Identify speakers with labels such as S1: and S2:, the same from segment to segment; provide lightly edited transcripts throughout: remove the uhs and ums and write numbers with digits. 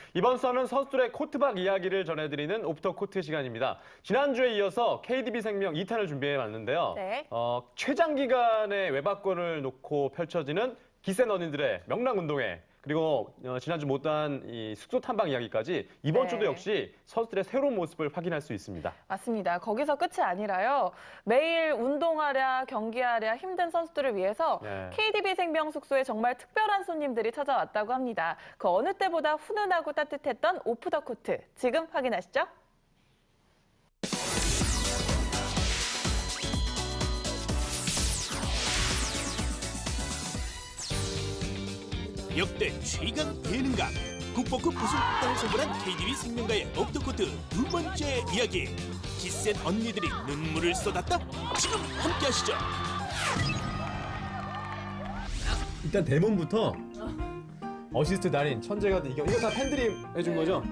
S1: 이번 수는 선수들의 코트박 이야기를 전해드리는 오프더 코트 시간입니다. 지난주에 이어서 KDB생명 2탄을 준비해봤는데요.
S2: 네.
S1: 최장 기간의 외박권을 놓고 펼쳐지는 기센 언니들의 명랑운동회, 그리고 지난주 못한 이 숙소 탐방 이야기까지 이번
S2: 네.
S1: 주도 역시 선수들의 새로운 모습을 확인할 수 있습니다.
S2: 맞습니다. 거기서 끝이 아니라요. 매일 운동하랴, 경기하랴 힘든 선수들을 위해서
S1: 네.
S2: KDB 생명 숙소에 정말 특별한 손님들이 찾아왔다고 합니다. 그 어느 때보다 훈훈하고 따뜻했던 오프 더 코트. 지금 확인하시죠.
S3: 역대 최강 예능감 국보급 우승 국단을 선물한 KDB 생명가의 옵터코트 두 번째 이야기. 기센 언니들이 눈물을 쏟았다. 지금 함께하시죠.
S1: 일단 대문부터 어시스트 달인 천재가 이거 다 팬들이 해준 거죠?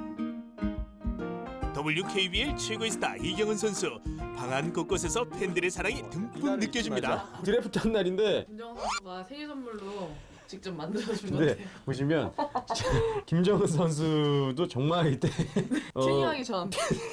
S3: WKBL 최고의 스타 이경은 선수. 방안 곳곳에서 팬들의 사랑이 듬뿍 느껴집니다.
S1: 드래프트 한 날인데
S4: 김정은 선수가 생일 선물로 직접 만들어준
S1: 근데
S4: 건데
S1: 보시면 김정은 선수도 정말 이때
S4: 태닝하기 전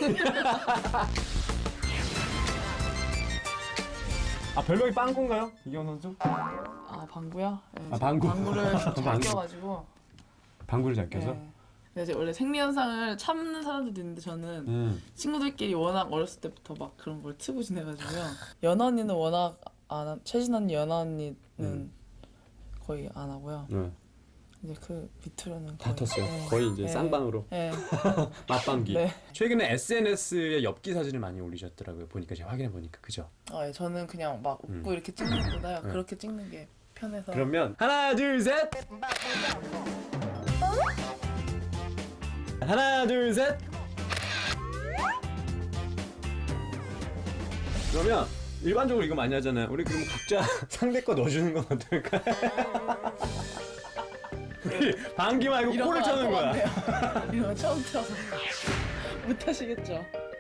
S1: 별명이 빵꾸인가요? 이경은 선수?
S4: 방구요? 네,
S1: 아, 방구.
S4: 방구를 잘
S1: 방구.
S4: 껴가지고
S1: 방구를 잘 껴서?
S4: 네. 근데 이제 원래 생리현상을 참는 사람들도 있는데 저는 친구들끼리 워낙 어렸을 때부터 막 그런 걸 트고 지내가지고요. 연아 언니는 워낙 최진 언니, 연아 언니는 거의 안 하고요.
S1: 네.
S4: 이제 그 밑으로는
S1: 다
S4: 거의,
S1: 텄어요.
S4: 네.
S1: 거의 이제
S4: 네.
S1: 쌍방으로
S4: 네.
S1: 맞방기.
S4: 네.
S1: 최근에 SNS에 엽기 사진을 많이 올리셨더라고요. 보니까 제가 확인해 보니까 그죠?
S4: 예, 저는 그냥 막 웃고 이렇게 찍는 것보다
S1: 네.
S4: 그렇게 찍는 게 편해서.
S1: 그러면 하나 둘 셋. 하나 둘 셋. 그러면 일반적으로 이거 많이 하잖아요. 우리 그럼 각자 상대 거 넣어주는 건 어떨까? 우리 방귀 말고
S4: 이런
S1: 코를
S4: 거
S1: 쳐는 거야.
S4: 이런 거 처음 들어서 못 하시겠죠?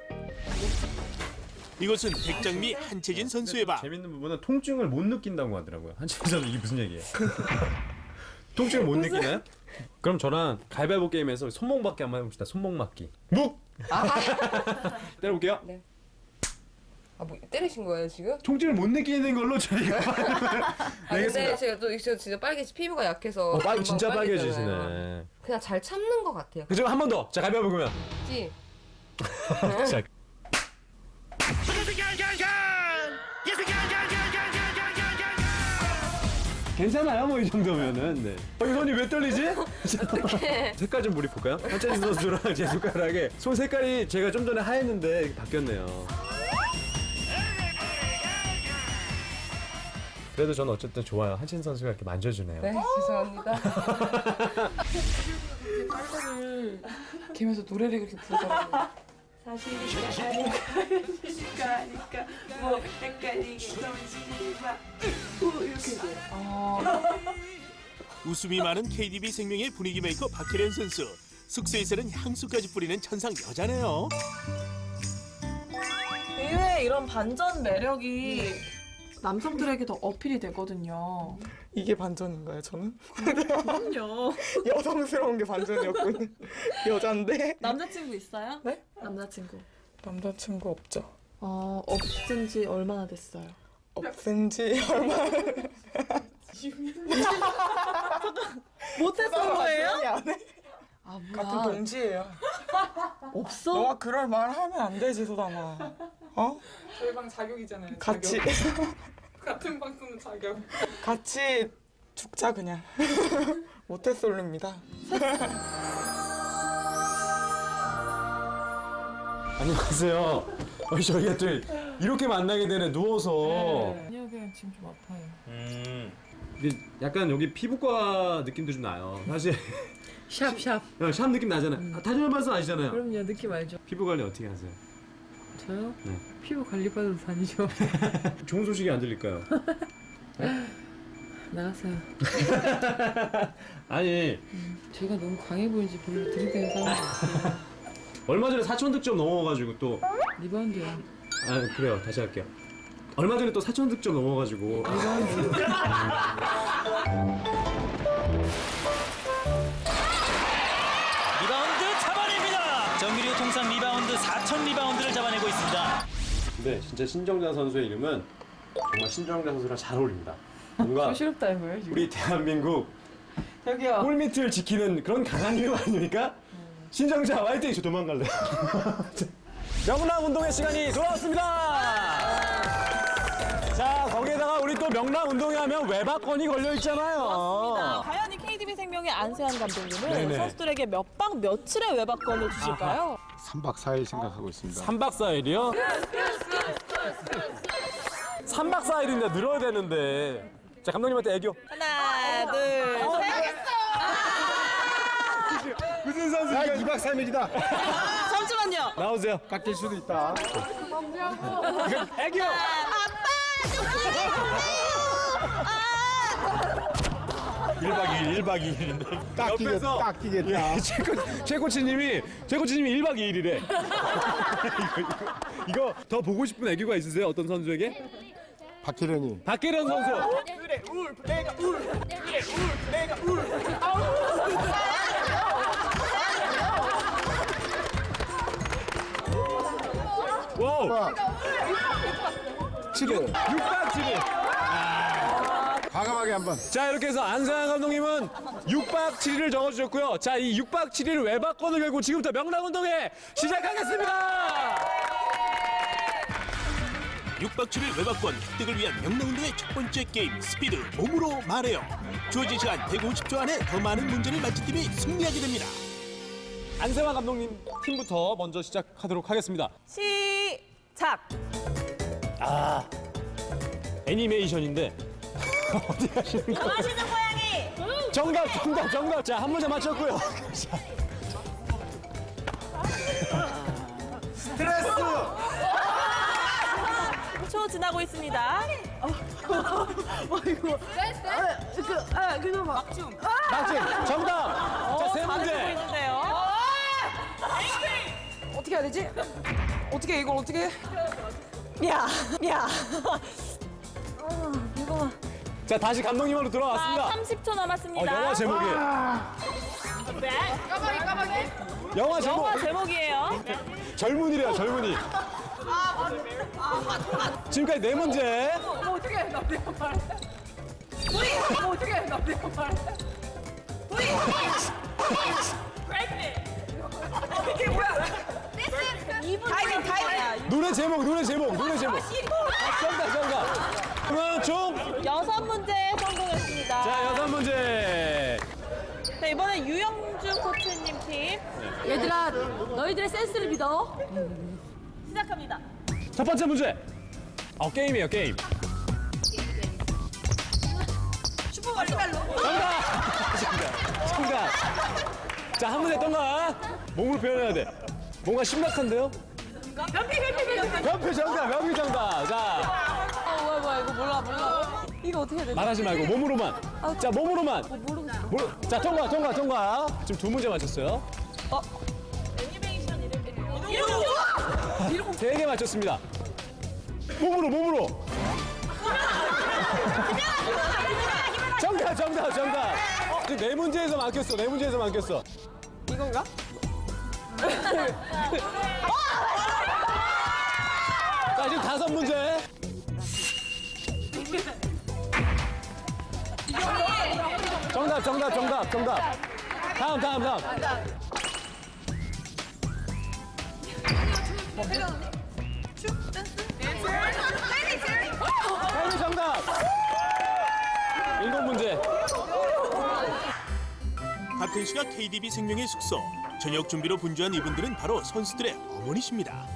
S3: 이곳은 백장미 한채진 선수의 방.
S1: 재밌는 부분은 통증을 못 느낀다고 하더라고요. 한채진 선수 이게 무슨 얘기예요? 통증을 못 느끼나요? 그럼 저랑 가위바위보 게임에서 손목맞기 한번 해봅시다. 손목맞기. 묵! 때려볼게요.
S5: 네. 뭐 때리신 거예요 지금?
S1: 통증을 못 느끼는 걸로 저희가
S5: 근데 제가 또 진짜 피부가 약해서 금방
S1: 진짜
S5: 빨개지잖아요.
S1: 빨개지시네.
S5: 그냥 잘 참는 것 같아요.
S1: 그죠? 한 번 더. 자, 가위바위보 그러면.
S5: 그치?
S1: 자, 괜찮아요, 뭐 이 정도면은. 네. 이 손이 왜 떨리지? 색깔 좀 몰입볼까요? 한채진 선수랑 제 손가락에 손 색깔이 제가 좀 전에 하였는데 이렇게 바뀌었네요. 그래도 저는 어쨌든 좋아요. 한채진 선수가 이렇게 만져주네요.
S5: 네, 죄송합니다.
S4: 빨대를 개면서 노래를 그렇게 부르더라고요.
S6: 사실이니까 뭐 헷갈리게 정신이가 이렇게 돼.
S3: 웃음이 많은 KDB 생명의 분위기 메이커 박혜련 선수. 숙소에서는 향수까지 뿌리는 천상 여자네요.
S4: 의외의 이런 반전 매력이 남성들에게 더 어필이 되거든요.
S7: 이게 반전인가요, 저는?
S4: 그럼요.
S7: 여성스러운 게 반전이었군요. 여잔데?
S4: 남자친구 있어요?
S7: 네?
S4: 남자친구.
S7: 남자친구 없죠.
S4: 없은 지 얼마나 됐어요?
S7: 없앤 지 얼마
S4: 못했던 거예요?
S7: 안 해?
S4: 아,
S7: 같은
S4: 뭐야.
S7: 동지예요.
S4: 없어?
S7: 너가 그럴 말 하면 안 되지, 소담아. 어? 저희 방 자격이잖아요. 같이. 같은 방 쓰는 자격. 같이 죽자, 그냥. 모태솔로입니다.
S1: 안녕하세요. 저희가 또 이렇게 만나게 되네, 누워서.
S4: 아니요, 그냥 지금 좀 아파요.
S1: 근데 약간 여기 피부과 느낌도 좀 나요. 사실
S6: 샵샵.
S1: 샵 느낌 나잖아요. 다준현 발사 아시잖아요.
S6: 그럼요, 느낌 알죠?
S1: 피부 관리 어떻게 하세요?
S6: 저요?
S1: 네.
S6: 피부 관리 받으러 다니죠.
S1: 좋은 소식이 안 들릴까요?
S6: 나갔어요.
S1: 아니
S6: 제가 너무 강해 보이는지 별로 들이대는 사람이 없어요.
S1: 얼마 전에 4천 득점 넘어가지고 또
S6: 리바운드요.
S1: 그래요. 다시 할게요. 얼마 전에 또 4천 득점 넘어가지고
S3: 리바운드
S1: 근데 진짜 신정자 선수의 이름은 정말 신정자 선수랑 잘 어울립니다. 뭔가
S6: 부끄럽다 이거예요 지금.
S1: 우리 대한민국
S6: 저기요.
S1: 골밑을 지키는 그런 강한 이름 아닙니까? 신정자 화이팅! 저 도망갈래요. 명랑운동의 시간이 돌아왔습니다. 자, 거기에다가 우리 또 명랑운동회 하면 외박권이 걸려 있잖아요.
S2: 과연 이 KDB 생명의 안세환 감독님은
S1: 네네.
S2: 선수들에게 몇 박 며칠의 외박권을 주실까요?
S8: 3박 4일 생각하고 있습니다.
S1: 3박 4일이요? 3박 4일인데 늘어야 되는데. 자, 감독님한테 애교.
S2: 하나, 둘, 셋.
S1: 무슨 선수가
S8: 2박 3일이다.
S2: 잠시만요.
S1: 나오세요.
S8: 깎일 수도 있다.
S1: 애교. 일박 2일인데.
S8: 깎이겠다.
S1: 최 코치님이 1박 2일이래. 이거 더 보고 싶은 애교가 있으세요? 어떤 선수에게?
S8: 박혜련이.
S1: 박계련 선수. 와우.
S8: 7일.
S1: 6박 7일.
S8: 과감하게 한번.
S1: 자, 이렇게 해서 안세환 감독님은 6박 7일을 적어주셨고요. 자, 이 6박 7일 외박권을 걸고 지금부터 명랑운동회 시작하겠습니다.
S3: 6박 7일 외박권 획득을 위한 명랑운동의 첫 번째 게임 스피드 몸으로 말해요. 주어진 시간 150초 안에 더 많은 문제를 맞힌 팀이 승리하게 됩니다.
S1: 안세환 감독님 팀부터 먼저 시작하도록 하겠습니다.
S2: 시작.
S1: 애니메이션인데 어디 가시는 거예요?
S2: 하시는 고양이.
S1: 정답. 자, 한 문제 맞췄고요.
S2: 초 지나고 있습니다.
S1: 맞지? 정답. 자, 세
S2: 잘해주고
S1: 문제.
S2: 있는데요.
S6: 어떻게 해야 되지? 어떻게 해, 이걸 어떻게 해?
S2: 야.
S1: 자, 다시 감독님으로 돌아왔습니다.
S2: 30초 남았습니다.
S1: 영화 제목이에요. 영화 제목.
S2: 영화 제목이에요.
S1: 젊은이래요, 젊은이. 지금까지 네 문제.
S6: 어떻게 해, 나 내가 말해. 어떻게 해, 나 내가 말해. 이게 뭐야?
S2: 타이밍.
S1: 노래 제목. 정답. 그러면 총.
S2: 6문제 성공했습니다.
S1: 자, 6문제.
S2: 자, 이번엔 유영준 코치님 팀
S9: 얘들아, 너희들의 센스를 믿어.
S2: 시작합니다.
S1: 첫 번째 문제. 게임이에요, 게임. 정답. 자, 한 문제 동안 몸으로 표현해야 돼. 뭔가 심각한데요? 변피 정답. 자,
S6: 뭐야, 이거 몰라. 이거 어떻게 해야 되지?
S1: 말하지 말고 몸으로만. 자, 몸으로만. 자, 통과. 지금 2문제 맞췄어요.
S2: 이름
S1: 3개 맞췄습니다. 몸으로. 정답. 지금 4문제에서 맡겼어.
S2: 이건가?
S1: 자, 지금 5문제. 정답. 다음. 헬미 정답. 7문제.
S3: 같은 시각 KDB 생명의 숙소 저녁 준비로 분주한 이분들은 바로 선수들의 어머니십니다.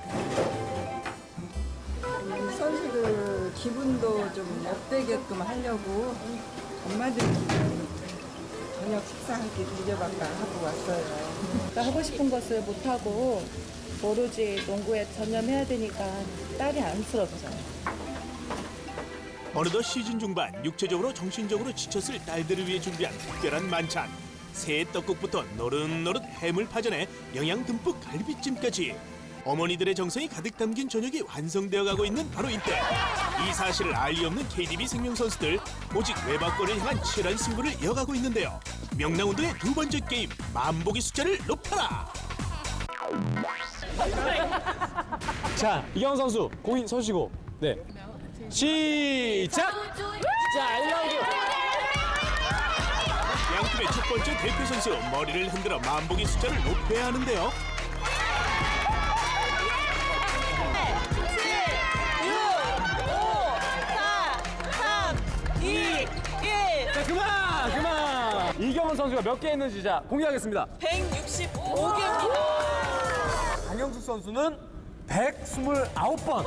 S6: 선수들 기분도 좀 업되게끔 하려고 엄마들 기분 저녁 식사하기 늦어갈까 하고 왔어요.
S10: 하고 싶은 것을 못하고 오로지 농구에 전념해야 되니까 딸이 안쓰럽죠.
S3: 어느덧 시즌 중반 육체적으로 정신적으로 지쳤을 딸들을 위해 준비한 특별한 만찬. 새 떡국부터 노릇노릇 해물 파전에 영양 듬뿍 갈비찜까지 어머니들의 정성이 가득 담긴 저녁이 완성되어 가고 있는 바로 이때 이 사실을 알 리 없는 KDB 생명 선수들 오직 외박권을 향한 치열한 승부를 이어가고 있는데요. 명랑운동의 두 번째 게임 만보기 숫자를 높여라.
S1: 자, 이경원 선수 공인 서시고. 네. 시작. 자, 1라운드.
S3: 양팀의 첫 번째 대표 선수 머리를 흔들어 만보기 숫자를 높여야 하는데요.
S2: 2, 1.
S1: 자, 그만. 이경원 선수가 몇 개 했는지 자 공개하겠습니다.
S2: 165개입니다.
S1: 강영숙 선수는 129번.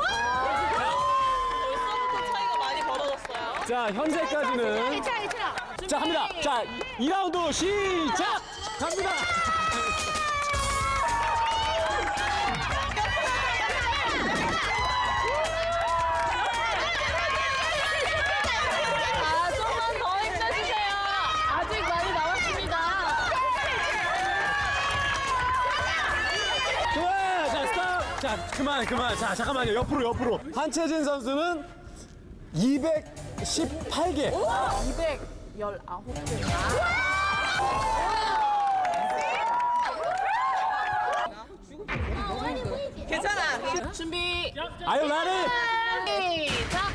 S2: 벌써부터 차이가 많이 벌어졌어요.
S1: 자, 현재까지는 자, 합니다. 자, 2라운드 시작. 갑니다.
S2: 좀만 더 힘내주세요. 아직 많이 남았습니다.
S1: 그만. 자, 스탑. 자, 그만. 자, 잠깐만요. 옆으로. 한채진 선수는 218개.
S2: 219개. 괜찮아. 준비.
S1: Are you ready?
S2: 시작.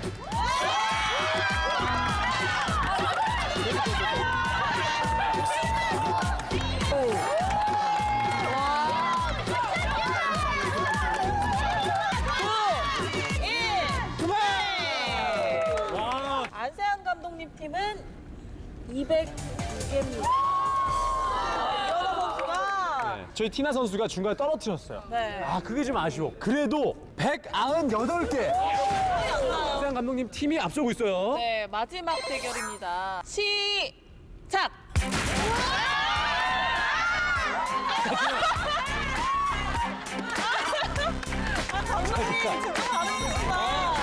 S1: 와.
S2: 안세환 감독님 팀은 200개입니다. 이현호 선수가
S1: 저희 티나 선수가 중간에 떨어뜨렸어요.
S2: 네.
S1: 아, 그게 좀 아쉬워. 그래도 198개. 안세환 감독님 팀이 앞서고 있어요.
S2: 네, 마지막 대결입니다. 시작. 감독님 정말 잘하셨습니다.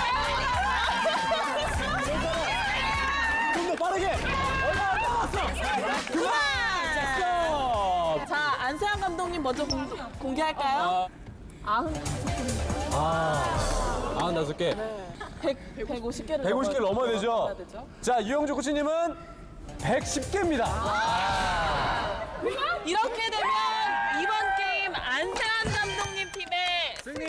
S1: 좀 더 빠르게. 얼마 안 남았어. 그만.
S2: 자, 안세환 감독님 먼저 공개할까요?
S1: 95개.
S2: 150개를
S1: 150개를 넘어야 되죠?
S2: 되죠?
S1: 자, 유영주 코치님은 110개입니다.
S2: 이렇게 되면 이번 게임 안세환 감독님 팀의
S1: 승리!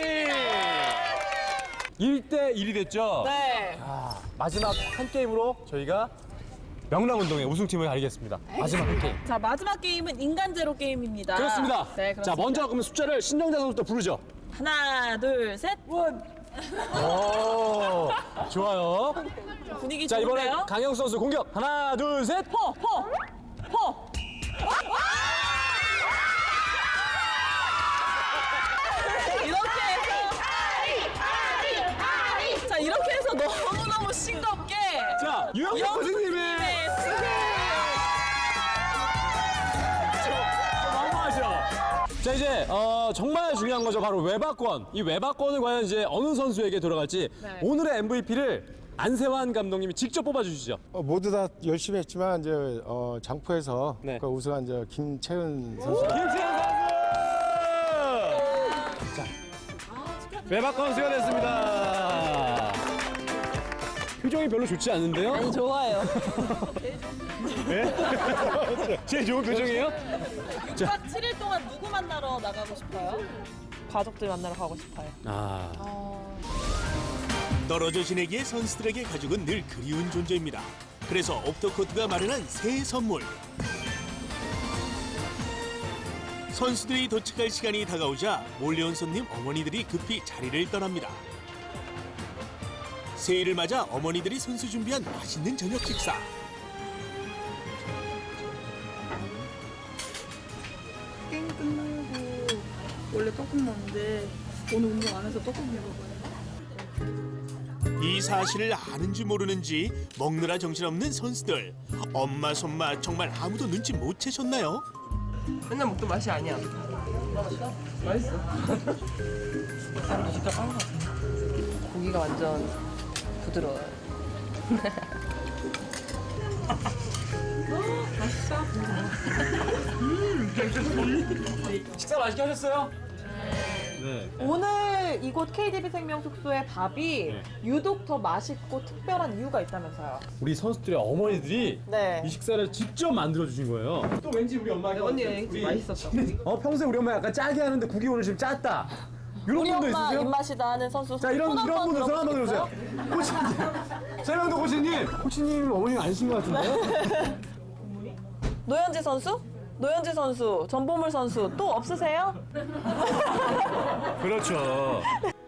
S1: 1대1이 됐죠?
S2: 네.
S1: 마지막 한 게임으로 저희가 명랑운동의 우승팀을 가리겠습니다. 마지막 한 게임.
S2: 자, 마지막 게임은 인간 제로 게임입니다.
S1: 그렇습니다.
S2: 네, 그렇습니다.
S1: 자, 먼저 그러면 숫자를 신정자 선수부터 부르죠.
S2: 하나, 둘, 셋.
S1: 오, 좋아요.
S2: 분위기
S1: 자, 이번에
S2: 좋은데요?
S1: 강영수 선수 공격. 하나, 둘, 셋.
S2: 포. 이렇게 해서 너무너무 싱겁게
S1: 자, 유영주 코치님의 너무하죠. 자, 이제 정말 중요한 거죠. 바로 외박권. 이 외박권을 과연 이제 어느 선수에게 돌아갈지
S2: 네.
S1: 오늘의 MVP를 안세환 감독님이 직접 뽑아주시죠.
S8: 모두 다 열심히 했지만 이제 장포에서
S1: 네.
S8: 그 우승한 이제 김채은 선수.
S1: 김채현 선수! 자, 외박권 수여됐습니다. 표정이 별로 좋지 않은데요?
S2: 아니, 좋아요.
S1: 네? 제일 좋은 표정이에요?
S2: 6박 7일 동안 누구 만나러 나가고 싶어요? 가족들 만나러 가고 싶어요.
S3: 떨어져 지내기에 선수들에게 가족은 늘 그리운 존재입니다. 그래서 옵터코트가 마련한 새 선물. 선수들이 도착할 시간이 다가오자 몰려온 손님 어머니들이 급히 자리를 떠납니다. 새해를 맞아 어머니들이 선수 준비한 맛있는 저녁 식사.
S4: 게임 끝나고 원래 떡국 먹는데 오늘 운동 안 해서 떡국 먹어봐요.
S3: 이 사실을 아는지 모르는지 먹느라 정신없는 선수들. 엄마 손맛 정말 아무도 눈치 못 채셨나요?
S5: 맨날 먹던 맛이 아니야. 맛있어? 아, 진짜 빵 고기가 완전 부드러워요.
S1: 식사 맛있게 하셨어요? 네.
S2: 오늘 이곳 KDB 생명 숙소의 밥이
S1: 네.
S2: 유독 더 맛있고 특별한 이유가 있다면서요.
S1: 우리 선수들의 어머니들이
S2: 네.
S1: 이 식사를 직접 만들어 주신 거예요. 또 왠지 우리 엄마가
S5: 언니 맛있었어.
S1: 평소에 우리 엄마 약간 짜게 하는데 국이 오늘 지금 짰다. 이런
S2: 우리
S1: 분도
S2: 엄마
S1: 있으세요?
S2: 입맛이다 하는 선수.
S1: 자, 이런 분들 손 한번 들어주세요. 코치님. 최명도 코치님. 코치님 어머니가 아니신 것 같은데요?
S2: 노현지 선수? 노현지 선수, 전보물 선수 또 없으세요?
S1: 그렇죠.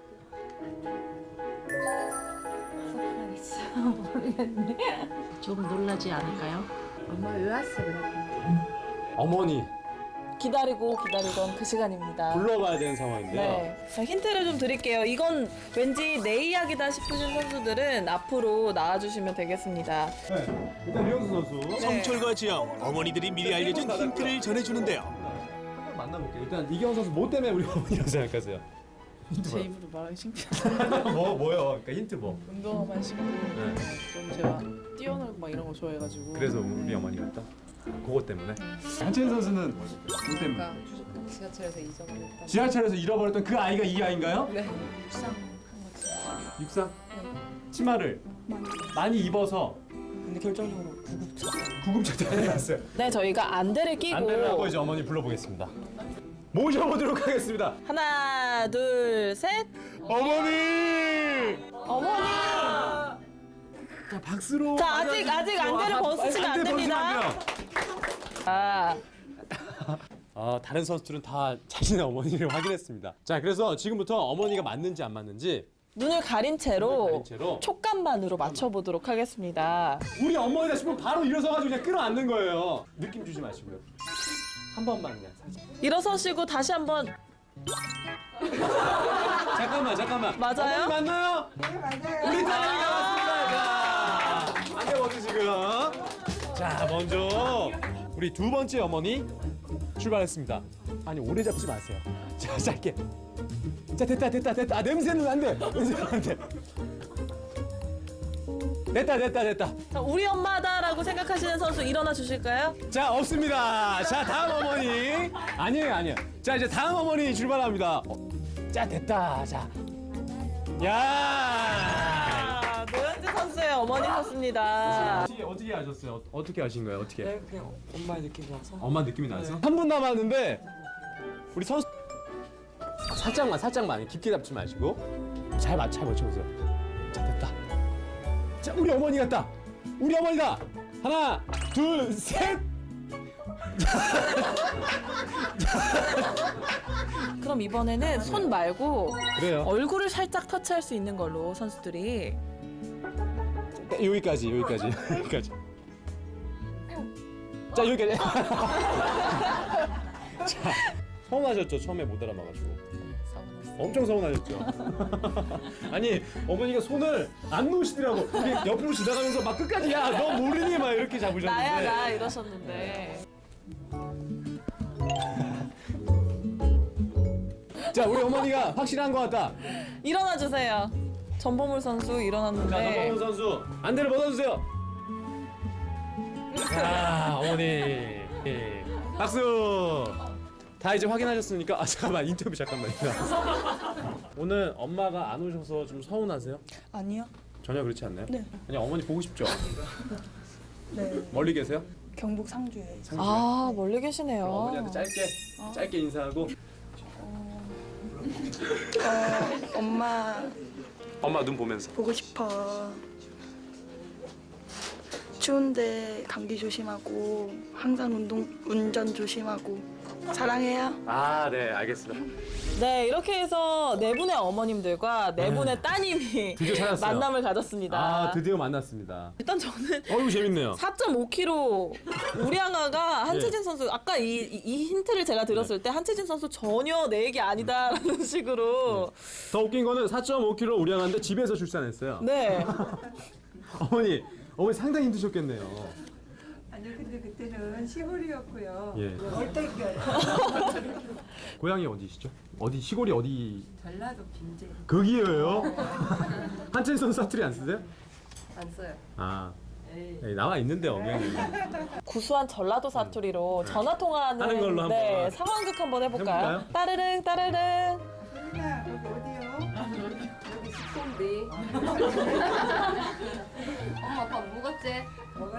S9: 조금 놀라지 않을까요?
S5: 엄마 왜 왔어 그래?
S1: 어머니
S2: 기다리던 그 시간입니다.
S1: 불러봐야 되는 상황인데요.
S2: 네. 자, 힌트를 좀 드릴게요. 이건 왠지 내 이야기다 싶으신 선수들은 앞으로 나와주시면 되겠습니다.
S1: 네. 일단 류영수 선수.
S3: 성철과 지영 어머니들이 미리 알려준 힌트를 전해주는데요.
S1: 한번 만나볼게요. 일단 이경원 선수 뭐 때문에 우리 어머니라고 생각하세요?
S4: 제 입으로 말하기 창피하다.
S1: 뭐요? 그러니까 힌트 뭐?
S4: 운동화만 신고 좀 제가 뛰어놀고 막 이런 거 좋아해가지고.
S1: 그래서 우리 어머니 같다? 그것 때문에? 한채인 선수는 뭐 때문에?
S5: 아까 지하철에서 잊어버렸다.
S1: 지하철에서 잃어버렸던 그 아이가 이 아이인가요?
S5: 네.
S1: 육상? 치마를 많이 입어서
S7: 근데 결정적으로
S1: 구급차 다녀왔어요.
S2: 네, 저희가 안대를 끼고
S1: 안대를 하고 이제 어머니 불러보겠습니다. 모셔보도록 하겠습니다.
S2: 하나, 둘, 셋.
S1: 어머니!
S2: 어머니.
S1: 자, 박수로.
S2: 자, 아직 안대를 벗으시면 안 됩니다. 아,
S1: 다른 선수들은 다 자신의 어머니를 확인했습니다. 자, 그래서 지금부터 어머니가 맞는지 안 맞는지
S2: 눈을 가린 채로
S1: 가린 채로
S2: 촉감만으로 맞춰보도록 하겠습니다.
S1: 우리 어머니다 싶으면 바로 일어서가지고 그냥 끌어안는 거예요. 느낌 주지 마시고요. 한 번만 그냥 살짝.
S2: 일어서시고 다시 한번.
S1: 잠깐만.
S2: 맞아요?
S1: 어머니 맞나요? 네, 맞아요. 우리 딸내미가 맞습니다. 자, 안돼 벗으시고요. 자, 먼저 우리 두 번째 어머니 출발했습니다. 아니, 오래 잡지 마세요. 자, 짧게. 자, 됐다. 아, 냄새는 안 돼. 냄새는 안 돼. 됐다.
S2: 자, 우리 엄마다라고 생각하시는 선수 일어나 주실까요?
S1: 자, 없습니다. 자, 다음 어머니. 아니에요. 자, 이제 다음 어머니 출발합니다. 자, 됐다. 자. 야!
S2: 아, 노현지 선수의 어머니셨습니다.
S1: 어떻게 아셨어요? 어떻게 아신 거예요? 어떻게?
S7: 네, 그냥 엄마의 느낌이 와서.
S1: 엄마 느낌이 나서? 3분 남았는데 우리 선수 살짝만 깊게 잡지 마시고 잘 맞춰보세요. 자, 됐다. 자, 우리 어머니 같다. 우리 어머니다. 하나, 둘, 셋.
S2: 그럼 이번에는 손 말고
S1: 그래요.
S2: 얼굴을 살짝 터치할 수 있는 걸로 선수들이.
S1: 여기까지. 자, 여기까지. 자, 서운하셨죠? 처음에 못 알아봐가지고. 엄청 서운하셨죠? 아니, 어머니가 손을 안 놓으시더라고. 이게 옆으로 지나가면서 막 끝까지 야, 너 모르니? 막 이렇게 잡으셨는데.
S2: 나야 나 이러셨는데.
S1: 자, 우리 어머니가 확실한 것 같다.
S2: 일어나 주세요. 전보물 선수
S1: 자,
S2: 일어났는데.
S1: 전범훈 선수 안대를 벗어주세요. 자, 어머니. 예. 박수. 다 이제 확인하셨으니까 잠깐만 인터뷰 잠깐만요. 오늘 엄마가 안 오셔서 좀 서운하세요?
S7: 아니요.
S1: 전혀 그렇지 않나요?
S7: 네.
S1: 그냥 어머니 보고 싶죠?
S7: 네.
S1: 멀리 계세요?
S7: 경북 상주에.
S2: 아, 멀리 계시네요.
S1: 그럼 어머니한테 짧게 인사하고.
S7: 엄마
S1: 눈 보면서.
S7: 보고 싶어. 추운데 감기 조심하고 항상 운전 조심하고 사랑해요.
S1: 아, 네, 알겠습니다.
S2: 네, 이렇게 해서 네 분의 어머님들과 네 분의 따님이
S1: 드디어 찾았어요.
S2: 만남을 가졌습니다.
S1: 아, 드디어 만났습니다.
S2: 일단 저는
S1: 어이구, 재밌네요.
S2: 4.5kg 우리 양아가 한채진 선수 아까 이 힌트를 제가 들었을 때 한채진 선수 전혀 내 얘기 아니다라는 식으로
S1: 더 웃긴 거는 4.5kg 우량한데 집에서 출산했어요.
S2: 네.
S1: 어머니 상당히 힘드셨겠네요.
S6: 아니요, 근데 그때는 시골이었고요.
S1: 예.
S6: 얼떨결.
S1: 고향이 어디시죠? 어디 시골이 어디?
S6: 전라도 빈제.
S1: 거기예요? 한채인 선수 사투리 안 쓰세요?
S5: 안 써요.
S1: 아, 에이, 나와 있는데 어명이.
S2: 구수한 전라도 사투리로 전화 통화하는
S1: 하는 걸로 한번.
S2: 네, 상황극 한번 해볼까요?
S1: 해볼까요?
S2: 따르릉 따르릉.
S6: 소리야, 여기 어디요?
S5: 여기 식소인데. 엄마 밥 먹었지?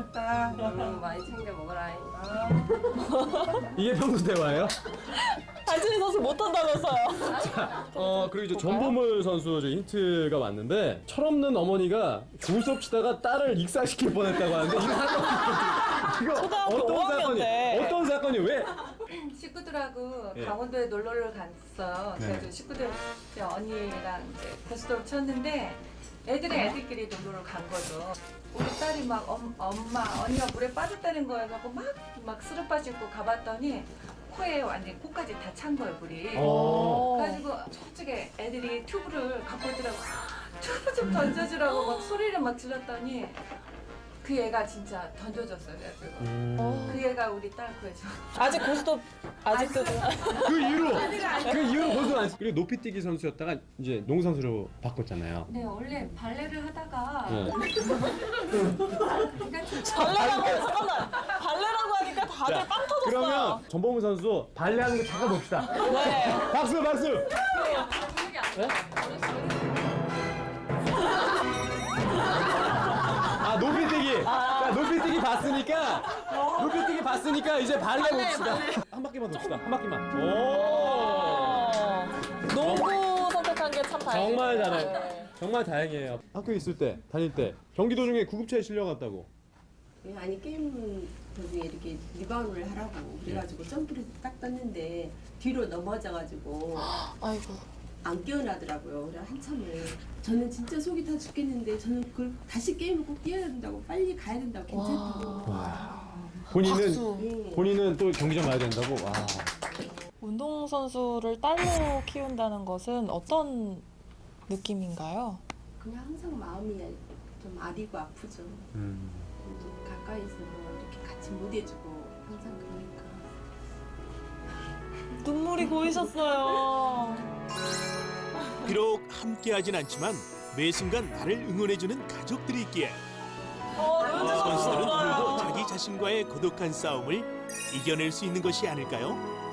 S6: 먹었다.
S5: 많이 챙겨 먹어라.
S1: 이게 평소 대화예요?
S2: 한채진 선수 못한다면서요.
S1: 그리고 이제 전보물 선수 저 힌트가 왔는데 철없는 어머니가 교수 수업 치다가 딸을 익사시킬 뻔했다고 하는데 이거 이거
S2: 초등학교
S1: 어떤
S2: 5학년
S1: 사건이
S2: 때.
S1: 어떤 사건이 왜?
S6: 식구들하고
S1: 예.
S6: 강원도에 놀러를 갔어요. 그래서 식구들 이제 언니랑 이제 고스톱을 쳤는데 애들끼리 놀러를 간 거죠. 우리 딸이 막 엄마 언니가 물에 빠졌다는 거에 갖고 막 스르빠 씻고 가봤더니 코에 완전 코까지 다 찬 거예요 물이. 그래가지고 저쪽에 애들이 튜브를 갖고 있더라고. 튜브 좀 던져주라고 막 소리를 막 질렀더니 그 애가 진짜 던져줬어요. 그래가지고 그 애가 우리 딸 구해줘.
S2: 아직 고스톱 아직도
S1: 그 이후로 고수 안. 그리고 높이뛰기 선수였다가 이제 농구 선수로 바꿨잖아요.
S6: 네 원래 발레를 하다가
S1: 네.
S2: 발레라고 하니까 다들 빵 터졌어요.
S1: 그러면 전보물 선수 발레하는 거 잠깐 봅시다.
S2: 네.
S1: 박수 박수. 높이뛰기. 자, 높이뛰기 봤으니까 이제 발레 봅시다. 한 바퀴만 돕시다. 한 바퀴만.
S2: 농구 선택한 게 참 다행이에요.
S1: 정말 잘해. 정말 다행이에요. 학교에 있을 때, 다닐 때 경기 도중에 구급차에 실려갔다고.
S11: 아니 게임 도중에 이렇게 리바운드를 하라고 그래가지고 점프를 딱 떴는데 뒤로 넘어져가지고
S2: 아이고.
S11: 안 깨어나더라고요. 그래 한참을 저는 진짜 속이 다 죽겠는데 저는 그걸 다시 게임을 꼭 뛰어야 된다고 빨리 가야 된다고 괜찮다고.
S1: 본인은 또 경기장 가야 된다고. 와.
S2: 운동선수를 딸로 키운다는 것은 어떤 느낌인가요?
S11: 그냥 항상 마음이 좀 아리고 아프죠. 가까이서 뭐 이렇게 같이 못 해주고 항상 그러니까.
S2: 눈물이 고이셨어요.
S3: 비록 함께하진 않지만 매 순간 나를 응원해주는 가족들이 있기에 선수들은 오늘도 자기 자신과의 고독한 싸움을 이겨낼 수 있는 것이 아닐까요?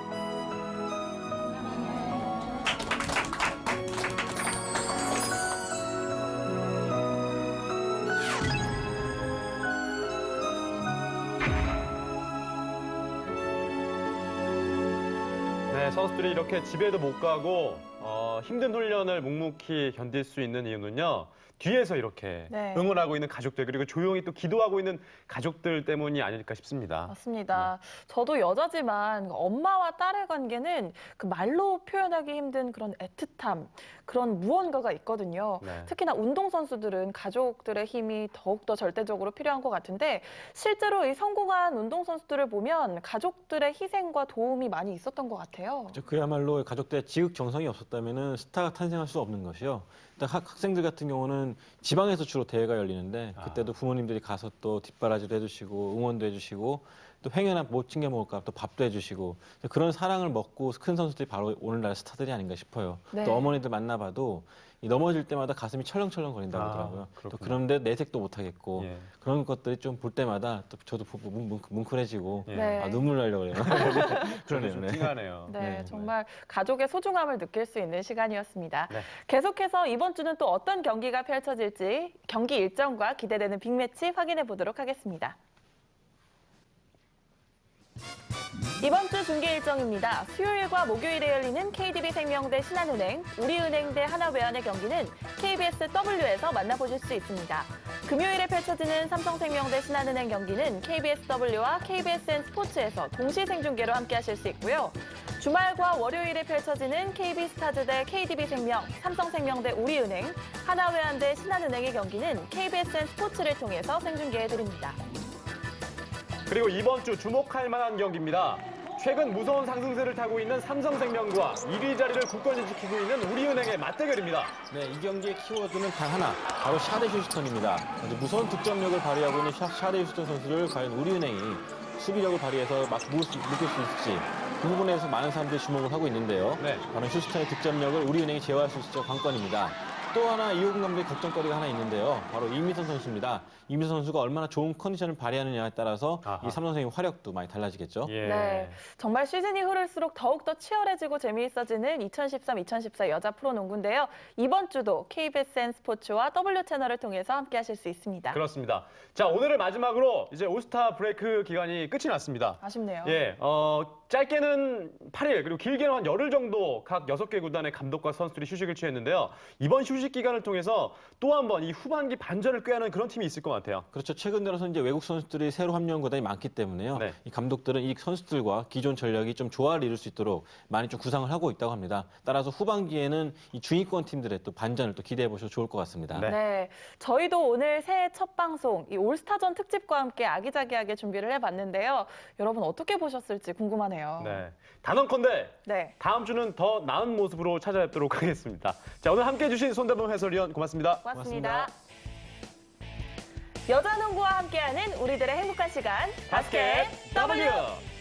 S1: 네, 선수들이 이렇게 집에도 못 가고 힘든 훈련을 묵묵히 견딜 수 있는 이유는요. 뒤에서 이렇게
S2: 네.
S1: 응원하고 있는 가족들 그리고 조용히 또 기도하고 있는 가족들 때문이 아닐까 싶습니다.
S2: 맞습니다. 저도 여자지만 엄마와 딸의 관계는 그 말로 표현하기 힘든 그런 애틋함, 그런 무언가가 있거든요.
S1: 네.
S2: 특히나 운동선수들은 가족들의 힘이 더욱더 절대적으로 필요한 것 같은데 실제로 이 성공한 운동선수들을 보면 가족들의 희생과 도움이 많이 있었던 것 같아요.
S12: 그야말로 가족들의 지극정성이 없었다면 스타가 탄생할 수 없는 것이요. 일단 학생들 같은 경우는 지방에서 주로 대회가 열리는데 그때도 부모님들이 가서 또 뒷바라지도 해주시고 응원도 해주시고 또 횡회나 못 챙겨 먹을까 또 밥도 해주시고 그런 사랑을 먹고 큰 선수들이 바로 오늘날 스타들이 아닌가 싶어요.
S2: 네.
S12: 또 어머니들 만나봐도 이 넘어질 때마다 가슴이 철렁철렁 거린다고 하더라고요. 또 그런데 내색도 못하겠고
S1: 예.
S12: 그런 것들이 좀 볼 때마다 또 저도 뭉클해지고
S1: 예.
S2: 네.
S12: 눈물 나려고 그래요. 그러네요.
S1: 좀 팅하네요.
S2: 네, 정말 가족의 소중함을 느낄 수 있는 시간이었습니다.
S1: 네.
S2: 계속해서 이번 주는 또 어떤 경기가 펼쳐질지 경기 일정과 기대되는 빅매치 확인해 보도록 하겠습니다. 이번 주 중계 일정입니다. 수요일과 목요일에 열리는 KDB생명 대 신한은행, 우리은행 대 하나외환의 경기는 KBS W에서 만나보실 수 있습니다. 금요일에 펼쳐지는 삼성생명 대 신한은행 경기는 KBS W와 KBSN 스포츠에서 동시 생중계로 함께하실 수 있고요. 주말과 월요일에 펼쳐지는 KB스타즈 대 KDB생명, 삼성생명 대 우리은행, 하나외환 대 신한은행의 경기는 KBSN 스포츠를 통해서 생중계해드립니다.
S1: 그리고 이번 주 주목할 만한 경기입니다. 최근 무서운 상승세를 타고 있는 삼성생명과 1위 자리를 굳건히 지키고 있는 우리은행의 맞대결입니다.
S12: 네, 이 경기의 키워드는 단 하나, 바로 샤데 휴스턴입니다. 무서운 득점력을 발휘하고 있는 샤데 휴스턴 선수를 과연 우리은행이 수비력을 발휘해서 막 묶을 수 있을지 그 부분에서 많은 사람들이 주목을 하고 있는데요.
S1: 네.
S12: 바로 휴스턴의 득점력을 우리은행이 제어할 수 있을지 관건입니다. 또 하나 이호근 감독의 걱정거리가 하나 있는데요. 바로 이민선 선수입니다. 이민선 선수가 얼마나 좋은 컨디션을 발휘하느냐에 따라서 이 삼성생명 활약도 많이 달라지겠죠.
S1: 예.
S2: 네, 정말 시즌이 흐를수록 더욱더 치열해지고 재미있어지는 2013-2014 여자 프로농구인데요. 이번 주도 KBSN 스포츠와 W채널을 통해서 함께하실 수 있습니다.
S1: 그렇습니다. 자, 오늘을 마지막으로 이제 올스타 브레이크 기간이 끝이 났습니다.
S2: 아쉽네요.
S1: 예,
S13: 짧게는 8일 그리고 길게는 한 열흘 정도 각 6개 구단의 감독과 선수들이 휴식을 취했는데요. 이번 휴식 기간을 통해서 또 한 번 이 후반기 반전을 꾀하는 그런 팀이 있을 것 같아요.
S12: 그렇죠. 최근 들어서 이제 외국 선수들이 새로 합류한 구단이 많기 때문에요. 이 감독들은 이 선수들과 기존 전력이 좀 조화를 이룰 수 있도록 많이 좀 구상을 하고 있다고 합니다. 따라서 후반기에는 이 중위권 팀들의 또 반전을 또 기대해 보셔도 좋을 것 같습니다.
S2: 네, 저희도 오늘 새해 첫 방송 이 올스타전 특집과 함께 아기자기하게 준비를 해봤는데요. 여러분 어떻게 보셨을지 궁금하네요.
S13: 네, 단언컨대
S2: 네.
S13: 다음 주는 더 나은 모습으로 찾아뵙도록 하겠습니다. 자, 오늘 함께해 주신 손대범 해설위원 고맙습니다.
S2: 고맙습니다. 여자 농구와 함께하는 우리들의 행복한 시간 바스켓 W.